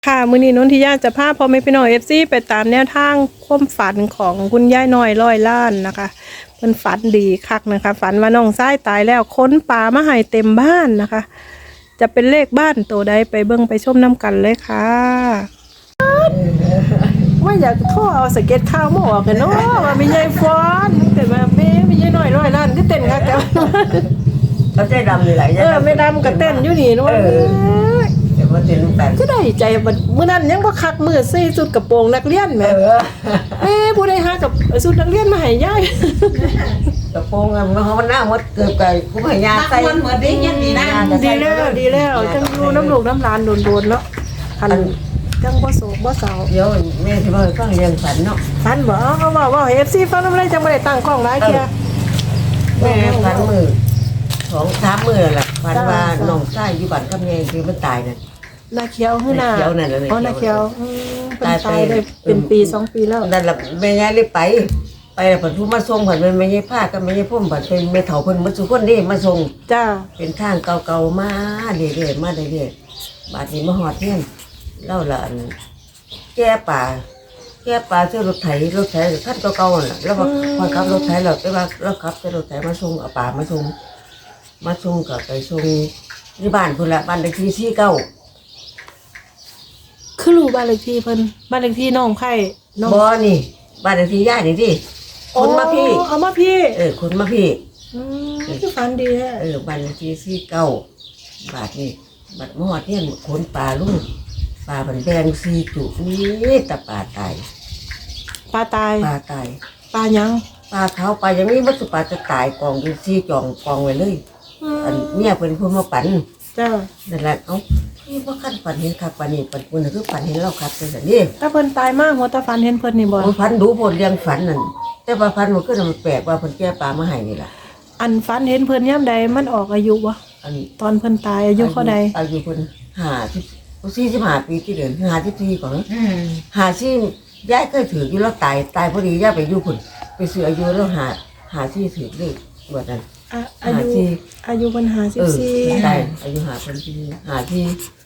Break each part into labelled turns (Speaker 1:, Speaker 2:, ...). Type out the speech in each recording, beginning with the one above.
Speaker 1: ค่ะมื้อนี้นนทิยาจะพาพ่อแม่พี่น้อง FC ไปตามแนวทางความฝันของคุณยายน้อยร้อยล้านนะคะเพิ่นฝันดีคักนะคะฝันว่าน้องชายตายแล้วค้นปลามาให้เต็มบ้านนะคะ จะเป็นเลขบ้านตัวใดไปเบิ่งไปชมน้ำกันเลยค่ะว่าอยากโทรเอาสเก็ตข้าวมาออกกันเนาะว่ามียายฟ้อนแต่ว่าแม่มียายน้อยร้อยล้านก็เต้นคักแต่ว่า
Speaker 2: เขาใจดำเลยหลายอย่าง
Speaker 1: ไม่ดำก็เต้นอยู่นี่เนาะ
Speaker 2: แต่ว่าเต้นกัน
Speaker 1: ก็ได้ใจบัดมื้อนั้นยังบ่คักมื้อใส่ชุดกระโปรงนักเรียนแหมแม่ผู้ใดหากับชุดนักเรียนมาให้ยาย
Speaker 2: กระโปรงมันหน้าหมดเกือบไก่กูพยาใส่
Speaker 3: มันเหมือนได้ยังดีนะ
Speaker 1: ดีแล้วจังอยู่น้ำลูกน้ำหลานโดนๆเนาะคันจังบ่โศกบ่เศร้า
Speaker 2: เดี๋ยวแม่ที่ว่าฟังเรื่องฝันเนาะ
Speaker 1: ฟันบ่เขาว่าให้ FC ฟังนำเลยจังบ่ได้ตั้งกล้องหลายเที่ย
Speaker 2: แม่ฝันมือ2-3มื้อแหละฝันว่าน้องชายอยู่บ้านกับแม่คือมันตายน่ะ
Speaker 1: นาเขียวคือหน้า
Speaker 2: นาเขียวนั่นแหละ
Speaker 1: อ๋อนาเขียวเพิ่นตายได้เป็นปี2ปีแล้ว
Speaker 2: นั่นแหละแม่ยายเลยไปแล้วเพิ่นผู้มาส่งเพิ่นเป็นแม่ยายพากับแม่ยายพ่มเพิ่นเป็นแม่เฒ่าเพิ่นมาสุคนนี่มาส่ง
Speaker 1: จ้า
Speaker 2: เป็นทางเก่าๆมาเรื่อยๆมาเรื่อยๆบาดนี้มาฮอดเฮียนเล่าละอันแก้ป่าเสื้อรถไถคันเก่าๆน่ะแล้วก็พอขับรถไถแล้วแต่ว่าเราขับแต่รถไถมาส่งเอาป่ามาส่งก็ไปส่งที่บ้านพุ่นละบ้านเลขที่49
Speaker 1: คือรู้บ้านเลขที่เพิ่นบ้านเลขที่น้องไผ่น้อง
Speaker 2: บ่นี่บ้านเลขที่ย่านี่ดิคนมาพี่
Speaker 1: เอามาพี่
Speaker 2: คนมาพี่
Speaker 1: คือฝันดีแท้
Speaker 2: บ้านเลขที่49บาทนี่บัดมาฮอดเฮียนขนป่าลุงป่าเพิ่นแบ่ง4จุนี่ตะป่าตาย
Speaker 1: ปลาตาย
Speaker 2: ปลาตาย
Speaker 1: ปลายัง
Speaker 2: ปลาเขาปลาอย่างนี้มันสุปลาจะตายกองอยู่ซี่จองกองไว้เลยอันเมียเป็นผู้มาปั่น
Speaker 1: จ้า
Speaker 2: นั่นแหละเอ้าพี่ว่าขั้นปั่นเห็นครับปั่นนี่ปั่นคนคือปั่นเห็นเราครับเป็นแบบนี้
Speaker 1: ถ้าเพิ่นตายมากหัวตาฝันเห็นเพิ่นนี่บ่
Speaker 2: พันดูผลเลี้ยงฝันนั่นแต่ว่าพันมันก็มันแปลกว่าเพิ่นแก้ปลามาให้นี่ล่ะ
Speaker 1: อันฝันเห็นเพิ่นยามใดมันออกอายุบ่
Speaker 2: อัน
Speaker 1: ตอนเพิ่นตายอายุเท่าใด
Speaker 2: อายุเพิ่น45ปีที่เดือน54ก่อน54ยายเคยถืออยู่แล้วตายพอดียายไปอยู่พุ่นไปซื้ออายุแล้ว54ถือเลขว่านั้น
Speaker 1: อายุเพิ่น54
Speaker 2: ใช่อายุ54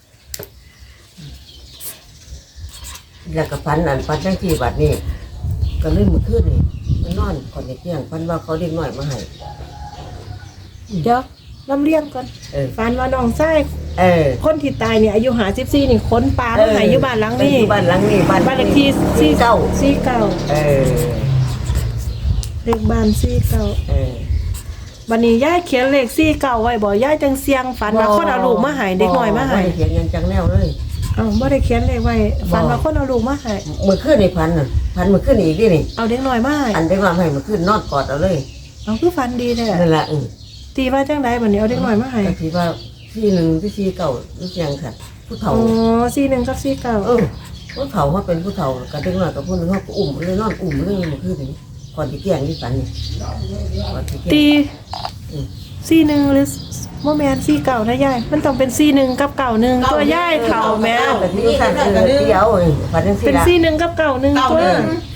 Speaker 2: แล้วก็ฟันจังที่บัดนี้ก็เลยมื้อคืนนี่มันนอนก่อนจะเที่ยงฟันว่าเขาเด็กน้อยมาให้
Speaker 1: เดี๋ยวลำเลียงก่อนฝันว่าน้องชายคนที่ตายเนี่ยอายุ54นี่ค้นปลามาให้อยู่บ้านหลังนี้
Speaker 2: บ้านหลังนี้บ้าน
Speaker 1: เลขที่49เลขบ้าน49บัดนี้ยายเขียนเลข49ไว้บ่ยายจังเสียงฝันว่าคนเอาลูกมาให้เด็กน้อยมาให้
Speaker 2: เขียนยังจังแนวเลย
Speaker 1: บ่ได้เขียนเลขไว้ฝันว่าคนเอาลูกมาให้
Speaker 2: มื้อคืนนี่พันมื้อคืนอีกนี่
Speaker 1: เอาเด็กน้อยมาให้
Speaker 2: อันเด็กน้อยให้มื้อคืนนอนกอดเอาเลย
Speaker 1: เอาคือฝันดีแท้
Speaker 2: นั่นล่ะ
Speaker 1: ตีว่าจังไดบัดนี้เอาเด็กน้อยมาให้
Speaker 2: ก็คิดว่าที่1ที่4 9รู้จังค่ะผู้เฒ่า
Speaker 1: 41กับ49
Speaker 2: ผู้เฒ่าเขาเป็นผู้เฒ่ากับเด็กน้อยกับผู้นึงเขาก็อุ้มเลยนอนอุ้มเลยมื้อคืนนี่ก่อนสิเที่ยงนี่ฝันนี่ก่อนสิเที่ยง
Speaker 1: ตี41หรือบ่แม่น49นะยายมันต้องเป็น41กับ91ตัวยายเฒ่าแม่
Speaker 2: แต่ที่สั่นเที่ยวฝันจังซี่
Speaker 1: เป็น
Speaker 2: ล่ะ
Speaker 1: 41กับ91ตัว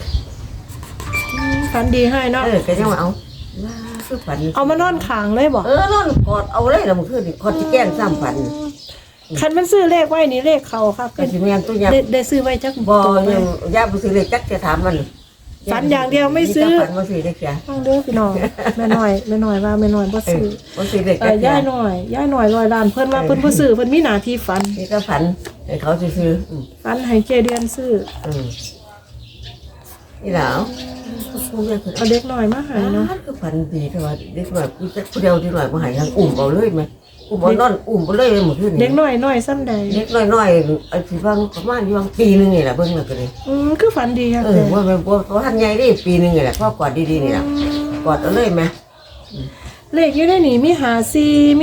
Speaker 1: ฝันดีให้เนาะ
Speaker 2: ก็ยังว่าเอาว่าคือฝัน
Speaker 1: เอามานอนข้างเลยบ่
Speaker 2: นอนกอดเอาเลยแล้วมื้อคืนนี่ก่อนสิแกล้งซ้ำฝัน
Speaker 1: คันมันซื้อเลขไว้นี่เลขเข้าครับ
Speaker 2: ก็สิแม่นตัวยัก
Speaker 1: ได้ซื้อไว้จัก
Speaker 2: บ่
Speaker 1: ตัว
Speaker 2: ยังย่าบ่ซื้อเลยจักจะถามมัน
Speaker 1: ฝันอย่างเดียวไม่ซื้อ
Speaker 2: ฝันบ่ซื้อได้แค่
Speaker 1: ฟังเด้อพี่น้องแม่น้อยว่าแม่น้อยบ่ซื้อ
Speaker 2: บ่ซื้อได้แค่
Speaker 1: ย่าน้อยร้อยล้านเพิ่นว่าเพิ่นบ่ซื้อเพิ่นมีหน้าที่ฝัน
Speaker 2: นี่ก็ฝันให้เขาซื้อ
Speaker 1: ฝันให้เจเดือนซื้อ
Speaker 2: นี่แล้วผู้ใหญ่เพิ่น
Speaker 1: เอาเด็กน้อยมาให้เนาะ
Speaker 2: คือฝันดีแต่ว่าเด็กน้อยผู้เดียวที่น้อยบ่ให้ทางอุ้มเอาเลยมั้ยอุ้มบ่นอนอุ้มบ่เลยมื้อคืน
Speaker 1: เด็
Speaker 2: นี้
Speaker 1: กน้อยซ้ำใด
Speaker 2: เด็กน้อยๆไอ้สิว่าประมาณอยู่ปีนึงนี่แหละเบิ่งแล้วก็เลย
Speaker 1: คือฝันดีครับ
Speaker 2: ว่ามันบ่ทันใหญ่ดิปีนึงนี่แหละพ่อกอดดีๆนี่ล่ะกอดเอาเลยมั้ย
Speaker 1: เลขอยู่ในนี่มี54มี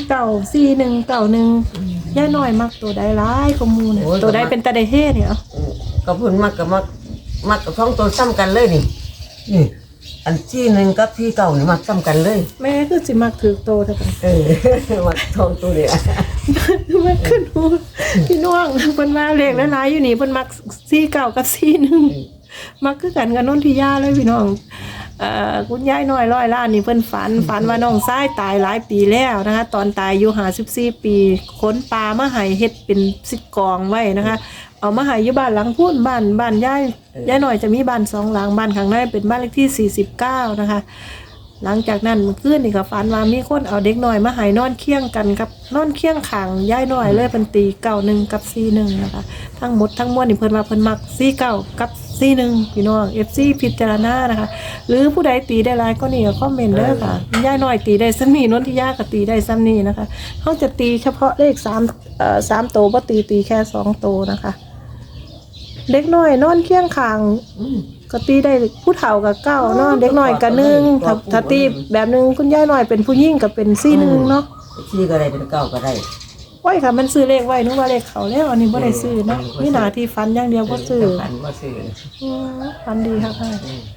Speaker 1: 494191ย่าน้อยมักตัวใดหลายกว่าหมู่เนี่ยตัวใดเป็นตาได้เฮ็ดเนี่ย
Speaker 2: ก็เพิ่นมักกับท้องตัวซ้ำกันเลยนี่อันที่หนึ่งกับที่เก่านี่มักซ้ำกันเลย
Speaker 1: แม่คือสิมักถือโตเท่ากัน
Speaker 2: มักท้องตัวเนี่ย
Speaker 1: มันขึ้นหูพี่น้องเพิ่นว่าเลขหลายๆอยู่นี่เพิ่นมัก49กับ41มักคือกันกับนนทิยาเลยพี่น้องคุณยายน้อยร้อยล้านนี่เพิ่นฝันว่าน้องชายตายหลายปีแล้วนะคะตอนตายอายุ54ปีค้นปลามาให้เฮ็ดเป็นสิกองไว้นะคะเอามาให้อยู่บ้านหลังพูนบ้านยายหน่อยจะมีบ้าน2หลังบ้านข้างในเป็นบ้านเลขที่49นะคะหลังจากนั้นเมื่อคืนนี่ก็ฝันว่ามีคนเอาเด็กน้อยมาให้นอนเคียงกันกับนอนเคียงข้างยายน้อยเลยเป็นตี91กับ41นะคะทั้งหมดทั้งมวลนี่เพิ่นว่าเพิ่นมัก49กับ41พี่น้อง FC พิจารณานะคะหรือผู้ใดตีได้หลายก็นี่ก็คอมเมนต์เด้อค่ะยายน้อยตีได้ซ้ำนี้นนทิยาก็ตีได้ซ้ำนี้นะคะเฮาจะตีเฉพาะเลข3โตวบ่ตีแค่2โตวนะคะเด็กน้อยนอนเคียงข้างก็ตีได้ผู้เฒ่ากับเก้าเนาะเด็กน้อยกับ1ถ้าตีแบบนึงคุณยายน้อยเป็นผู้หญิงก็เป็น41เนาะ
Speaker 2: ชื่อก็ได้เป็นเก้าก็ได้
Speaker 1: ไว้ค่ะมันซื้อเลขไว้นึกว่าเลขเขาแล้วอันนี้บ่ได้ซื้อเนาะมีหน้าที่ฟันอย่างเดียวบ่ซื้อ
Speaker 2: ฝันบ่ซื้อ
Speaker 1: ฟันดีค่ะค่ะ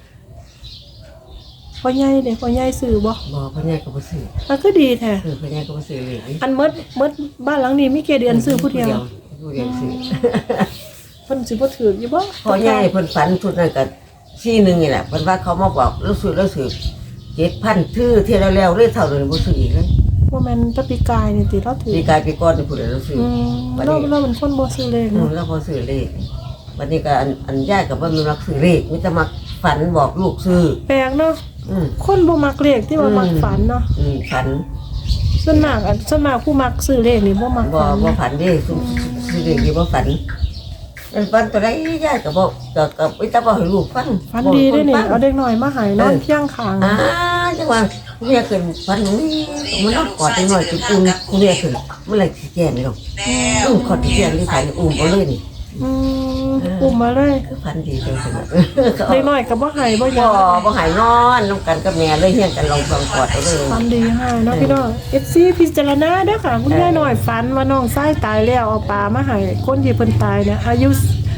Speaker 1: พ่อใหญ่เด้พ่อใหญ่ซื้อบ่
Speaker 2: บ่พ่อใหญ่ก็บ่ซื้อ
Speaker 1: มันก็ดีแท้
Speaker 2: พ่อใหญ่ก็บ่ซื้อเลย
Speaker 1: อันมดบ้านหลังนี้มีแค่เดือนซื้อผู้เดียว
Speaker 2: ผู้เดียวซื้อ
Speaker 1: เพิ่นสิบ่ถืออยู่บ่
Speaker 2: พ่อใหญ่เพิ่นฝันชุดนั้นก็41นี่แหละเพิ่นว่าเขามาบอกแล้วซื้อ 7,000ทื่อที่แล้วเลยเท่านั้นบ่ซื้ออีกเลย
Speaker 1: บ่แม่นตะปีกายนี่ติเราถือ
Speaker 2: ปีกายปีก่อนนี่ผู้ใดเราซื้อ
Speaker 1: เราเป็นคนบ่ซื้อเลขเนาะ
Speaker 2: แล้วพอซื้อเลขวันนี้ก็อันยายก็บ่มีมักซื้อเลขมีแต่มักฝันบอกลูกซื้อ
Speaker 1: แปลกเนาะคนบ่มักเลขที่ว่ามักฝันเนาะ
Speaker 2: ฝัน
Speaker 1: ส่วนมากผู้มักซื้อเลขนี่บ่มัก
Speaker 2: บ่
Speaker 1: ฝัน
Speaker 2: บ่ฝันเด้ซื้อเลขนี่บ่ฝันมันฝันตัวใดยายก็บอกก็ไปตาบอกให้ลูกฟัง
Speaker 1: ฝันดีด้วยนี่เอาเด็กน้อยมาให้นอนเคียงข้าง
Speaker 2: จังว่าคุณแม่ขึ้นฝันนี่มันนอนกอดได้หน่อยจุ่มคุณแม่ขึ้นเมื่อไหร่สิแก่นี่หรอกขอดที่แก่นี่ฝันเอาเลยนี่
Speaker 1: อุ้มมาเลย
Speaker 2: คือฝันดีจังซั่น
Speaker 1: เด็กน้อยก็บ่ให้บ่ยอม
Speaker 2: บ่หายนอนนำกันกับแม่เลยเฮียงกันลองฟังกอดเอาเลย
Speaker 1: ฝันดีให้เนาะพี่น้อง FC พิจารณาเด้อค่ะคุณยายน้อยฝันว่าน้องชายตายแล้วเอาปลามาให้คนที่เพิ่นตายเนี่ยอายุ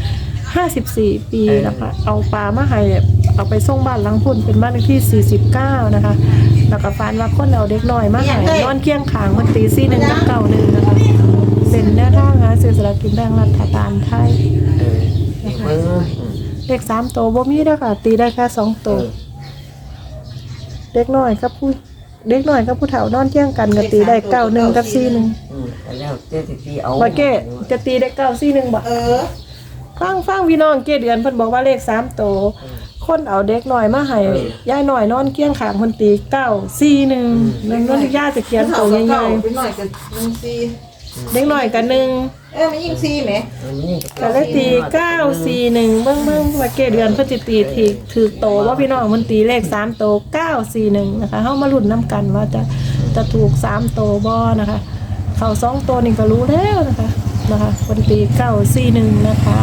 Speaker 1: 54 ปีนะคะเอาปลามาให้เอาไปส่งบ้านหลังพุ่นเป็นบ้านเลขที่49นะคะแล้วก็ฝันว่าคนเอาเด็กน้อยมาให้นอนเคียงข้างมันตี41กับ91นะคะเป็นแนวทางหาซื้อสลากกินแบ่งรัฐบาลไทย
Speaker 2: เบิ่ง
Speaker 1: เลข3ตัวบ่มีเด้อค่ะตีได้แค่2ตัวเด็กน้อยกับผู้เฒ่านอนเที่ยงกันก็ตีได้91กับ41
Speaker 2: แต่แล้วเจ๊สิตีเอา
Speaker 1: บ่เก้จะตีได้941บ่ฟังพี่น้องเก้เดือนเพิ่นบอกว่าเลข3ตัวคนเอาเด็กน้อยมาให้ยายน้อยนอนเคียงข้างเพิ่นตี941นั่นนย่าจะเขียนตัวใหญ่
Speaker 3: เป็นหน่อยกับยิงซี
Speaker 1: ๆเด็กน้อยก็1
Speaker 3: มันยิงซีไหม
Speaker 1: ก็เลยตี941เบิ่งว่าเก้เดือนเพิ่นสิตีถูกโตว่าพี่น้องเพิ่นตีเลข3โต941นะคะเฮามาลุ้นนํกันว่าจะถูก3โตบ่นะคะเข้า2โตนี่ก็รู้แล้วนะคะเพิ่นตี941นะคะ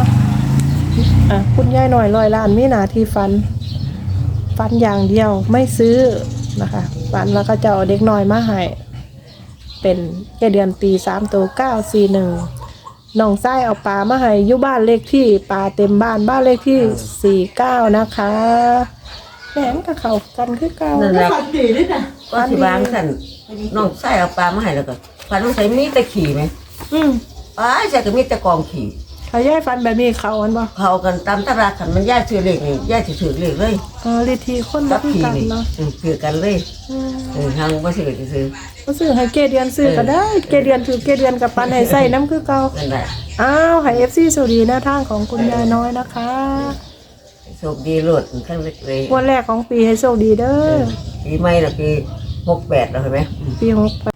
Speaker 1: คุณยายหน่อย100ล้านมีหน้าที่ฟันอย่างเดียวไม่ซื้อนะคะฟันแล้วก็จะเอาเด็กน้อยมาให้เป็นแค่เดือนตี3โต941น้องไส้เอาปลามาให้อยู่บ้านเลขที่ปลาเต็มบ้านเลขที่49นะคะแหมกับเขากันคือเก่า
Speaker 2: นั่นแหละ
Speaker 3: ฝันดีด้วยนะ
Speaker 2: ก็สิบางสั่นน้องใส่เอาปลามาให้แล้วก็ฝันว่าใส่มีแต่ขี่ไหมใส่ก็มีแต่กองขี่
Speaker 1: ถ้ายายฟันแบบนี้เขาอันบ่
Speaker 2: เขากันตามตำราขันมันย่าซื้อเลขนี่ย่าสิถือเลขเลย
Speaker 1: เลขที่คน
Speaker 2: กั
Speaker 1: รั
Speaker 2: บบ ขี่
Speaker 1: กัน
Speaker 2: นี่
Speaker 1: เนาะ
Speaker 2: ถือกันเลยทางบ่ซื้อสิซื้อ
Speaker 1: ก็ซื้อให้เกเดือนซื้อก็ได้เกเดือนถือเกเดือนกับปันให้ใส่น้ำคือเก่า
Speaker 2: นั่นแหละ
Speaker 1: อ้าวให้ FC สวัสดีหน้าทางของคุณยายน้อยนะคะ
Speaker 2: โชคดีโลดทั้งเล็กเลย
Speaker 1: วันแรกของปีให้โชคดีเด้อ
Speaker 2: ปีใหม่น่ะปี68แล้วเห็นไหม
Speaker 1: ปี68